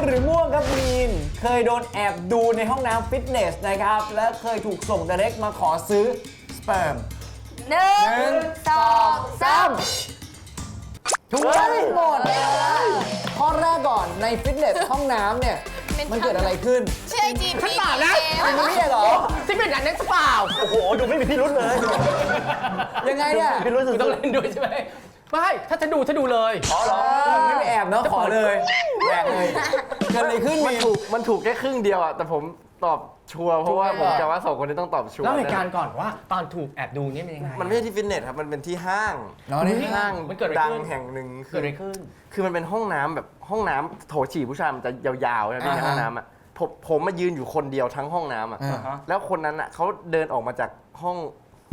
หรือม่วงครับมีนเคยโดนแอบดูในห้องน้ำฟิตเนสนะครับและเคยถูกส่ง direct มาขอซื้อสเปิร์ม 1 2 3 ถูกต้องหมดข้อแรกก่อนในฟิตเนสห้องน้ำเนี่ยมันเกิดอะไรขึ้นเชื่อจีบพี่มันไม่ใช่เหรอที่เป็นอย่างนั้นเปล่าโอ้โห ดูไม่มีพิรุธเลยยังไงเนี่ยพิรุธสุต้องดเล่นด้วยใช่ไหมไม่ถ้าจะดูเลยๆอ๋อเหรอไม่ไปแอบเนาะขอเลยแหวกเลยเกิดอะไรขึ้นมีนมันถูกแค่ครึ่งเดียวอะแต่ผมตอบชัวร์เพราะว่าผมจะว่าสองคนนี้ต้องตอบชัวร์เล่าเหตุการณ์ก่อนว่าตอนถูกแอบดูเนี่ยเป็นยังไงมันไม่ใช่ที่ฟิตเนสครับมันเป็นที่ห้างเนาะนี่ห้างมันเกิดอะไรดังขึ้นแห่งหนึ่งเกิดอะไรขึ้นคือมันเป็นห้องน้ำแบบห้องน้ำโถฉี่ผู้ชายมันจะยาวๆใช่ไหมในห้องน้ำอะผมมายืนอยู่คนเดียวทั้งห้องน้ำอะแล้วคนนั้นอะเขาเดินออกมาจากห้อง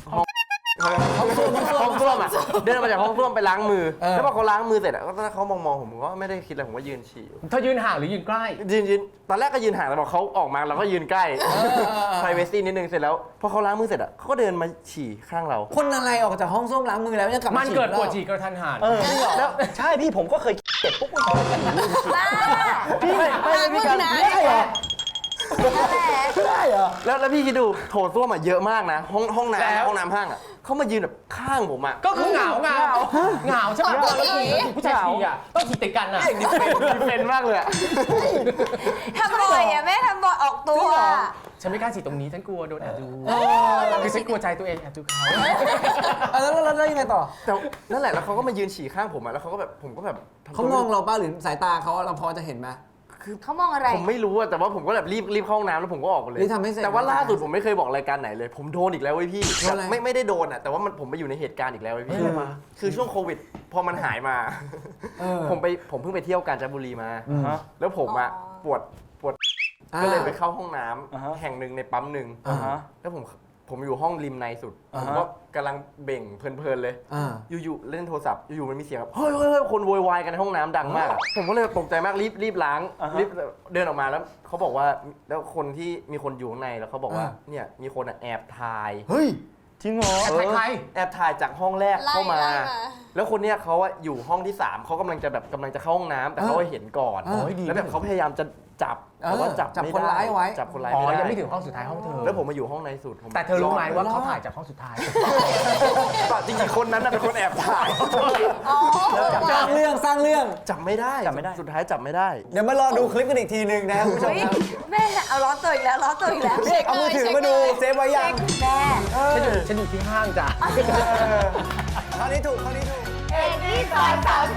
ส้วมอะเดินออกมาจากห้องส้วมไปล้างมือแล้วพอเขาล้างมือเสร็จอะก็เขามองผมก็ไม่ได้คิดอะไรผมก็ยืนฉี่อยู่เธอยืนห่างหรือยืนใกล้ยืนตอนแรกก็ยืนห่างแต่พอเขาออกมาเราก็ยืนใกล้ privacy นิดนึงเสร็จแล้วพอเขาล้างมือเสร็จอะเขาก็เดินมาฉี่ข้างเราคนอะไรออกจากห้องส้วมล้างมือแล้วยังกลับมัมาน ฉี่เกิดปวดแล้วฉี่กระทันหันแล้วใช่พี่ผมก็เคยเจ็บปุ๊บบ้าพี่ไม่มีการมึงนะไม่ใช่เหรอไม่ได้เหรอแล้วพี่คิดดูโถส้วมอะเยอะมากนะห้องน้ำห้างอะเขามายืนแบบข้างผมอะก็คือเหงาใช่ไหมเราฉี่ผู้ชายฉี่อ่ะต้องฉี่ติดกันอ่ะเป็นมากเลยอะทำบ่อยอ่ะแม่ทำบ่อยออกตัวฉันไม่กล้าฉี่ตรงนี้ฉันกลัวโดนแอบดูคือฉันกลัวใจตัวเองแอบดูเขาแล้วยังไงต่อแต่นั่นแหละแล้วเขาก็มายืนฉี่ข้างผมอะแล้วเขาก็แบบผมก็แบบทำตัวเขามองเราป้าหรือสายตาเขาเราพอจะเห็นไหมเขามองอะไรผมไม่รู้อะแต่ว่าผมก็แบบรีบเข้าห้องน้ำแล้วผมก็ออกไปเลยรีบทำให้เสร็จแต่ว่าล่าสุดผมไม่เคยบอกรายการไหนเลย ผมโดนอีกแล้วเว้ยพี่โดนอะไรไม่ได้โดนอะแต่ว่าผมไปอยู่ในเหตุการณ์อีกแล้วเว้ยพี่คือช่วงโควิดพอมันหายมา ผมเพิ่งไปเที่ยวกาญจนบุรีมา แล้วผมอะปวดก็เลยไปเข้าห้องน้ำแห่งหนึ่งในปั๊มหนึ่งแล้วผมอยู่ห้องริมในสุดผมก็กำลังเบ่งเพลินๆเลยอยู่ๆเล่นโทรศัพท์อยู่ๆมันมีเสียงแบบเฮ้ยคนโวยวายกันในห้องน้ำดังมากอะผมก็เลยตกใจมากรีบล้างรีบเดินออกมาแล้วเขาบอกว่าแล้วคนที่มีคนอยู่ข้างในแล้วเขาบอกว่าเนี่ยมีคนอะแอบถ่ายเฮ้ยจริงเหรอใครแอบถ่ายจากห้องแรกเข้ามาไล่มาแล้วคนเนี้ยเขาอะอยู่ห้องที่ 3เขากำลังจะเข้าห้องน้ำแต่เขาเห็นก่อน แล้วแบบเขาพยายามจะจับแต่ว่าจับจับไม่คนได้ร้ายไว้จับคนร้ายอ๋อไม่ยังได้ไม่ถึงห้องสุดท้ายห้องเธอแล้วผมมาอยู่ห้องในสุดผมแต่เธอรู้ไหมว่าเขาถ่ายจากห้องสุดท้ายจริงๆคนนั้นน่ะเป็นคนแอบถ่ายอ๋อสร้างเรื่องจับไม่ได้สุดท้ายจับไม่ได้เดี๋ยวมารอดูคลิปกันอีกทีนึงนะคุณผู้ชมเฮ้ยครับแม่เอาล้อตัวอีกแล้วล้อตัวอีกแล้วพี่เอกเอามือถือมาดูเซฟไว้ยังแม่ฉันอยู่ที่ห้างจ้ะข้อนี้ถูกเอ็กซ์ที่ซอยสาว